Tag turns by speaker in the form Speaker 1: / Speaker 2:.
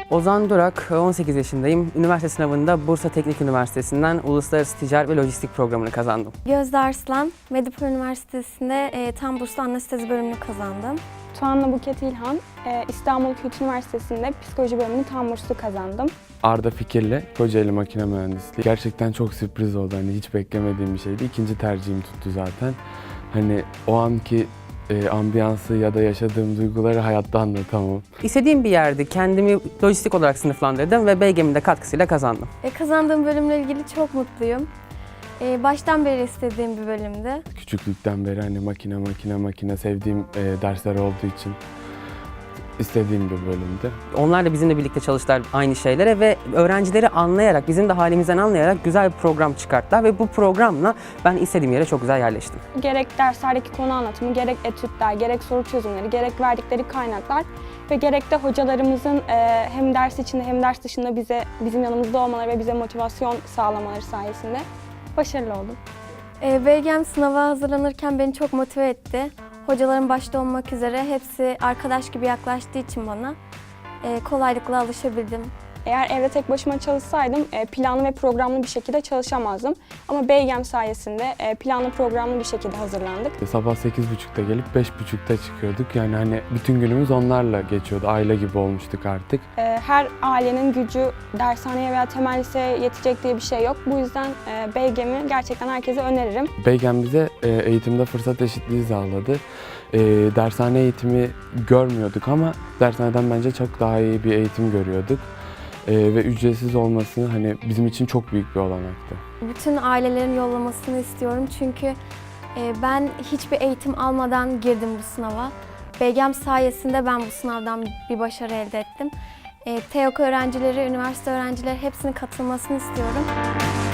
Speaker 1: Ozan Durak, 18 yaşındayım. Üniversite sınavında Bursa Teknik Üniversitesi'nden Uluslararası Ticaret ve Lojistik programını kazandım.
Speaker 2: Gözde Arslan, Medipol Üniversitesi'nde tam burslu anestezi bölümünü kazandım.
Speaker 3: Tuana Buket İlhan, İstanbul Kültür Üniversitesi'nde psikoloji bölümünü tam burslu kazandım.
Speaker 4: Arda Fikir'le Kocaeli Makine Mühendisliği. Gerçekten çok sürpriz oldu. Hani hiç beklemediğim bir şeydi. İkinci tercihim tuttu zaten. Hani o anki ambiyansı ya da yaşadığım duyguları hayatta anlatamam.
Speaker 1: İstediğim bir yerdi. Kendimi lojistik olarak sınıflandırdım ve BGM'in de katkısıyla kazandım.
Speaker 2: Kazandığım bölümle ilgili çok mutluyum. Baştan beri istediğim bir bölümdü.
Speaker 4: Küçüklükten beri hani makine sevdiğim dersler olduğu için istediğim bir bölümdü.
Speaker 1: Onlar da bizimle birlikte çalıştılar aynı şeylere ve öğrencileri anlayarak, bizim de halimizden anlayarak güzel bir program çıkarttılar ve bu programla ben istediğim yere çok güzel yerleştim.
Speaker 3: Gerek derslerdeki konu anlatımı, gerek etütler, gerek soru çözümleri, gerek verdikleri kaynaklar ve gerek de hocalarımızın hem ders içinde hem ders dışında bizim yanımızda olmaları ve bize motivasyon sağlamaları sayesinde başarılı oldum.
Speaker 2: BGM sınava hazırlanırken beni çok motive etti. Hocalarım başta olmak üzere hepsi arkadaş gibi yaklaştığı için bana kolaylıkla alışabildim.
Speaker 3: Eğer evde tek başıma çalışsaydım planlı ve programlı bir şekilde çalışamazdım. Ama BGM sayesinde planlı programlı bir şekilde hazırlandık.
Speaker 4: Sabah 8.30'da gelip 5.30'da çıkıyorduk. Yani hani bütün günümüz onlarla geçiyordu. Aile gibi olmuştuk artık.
Speaker 3: Her ailenin gücü dershaneye veya temel liseye yetecek diye bir şey yok. Bu yüzden BGM'i gerçekten herkese öneririm.
Speaker 4: BGM bize eğitimde fırsat eşitliği sağladı. Dershane eğitimi görmüyorduk ama dershaneden bence çok daha iyi bir eğitim görüyorduk. Ve ücretsiz olması hani bizim için çok büyük bir olanaktı.
Speaker 2: Bütün ailelerin yollamasını istiyorum çünkü ben hiçbir eğitim almadan girdim bu sınava. BGM sayesinde ben bu sınavdan bir başarı elde ettim. TEOK öğrencileri, üniversite öğrencileri hepsinin katılmasını istiyorum.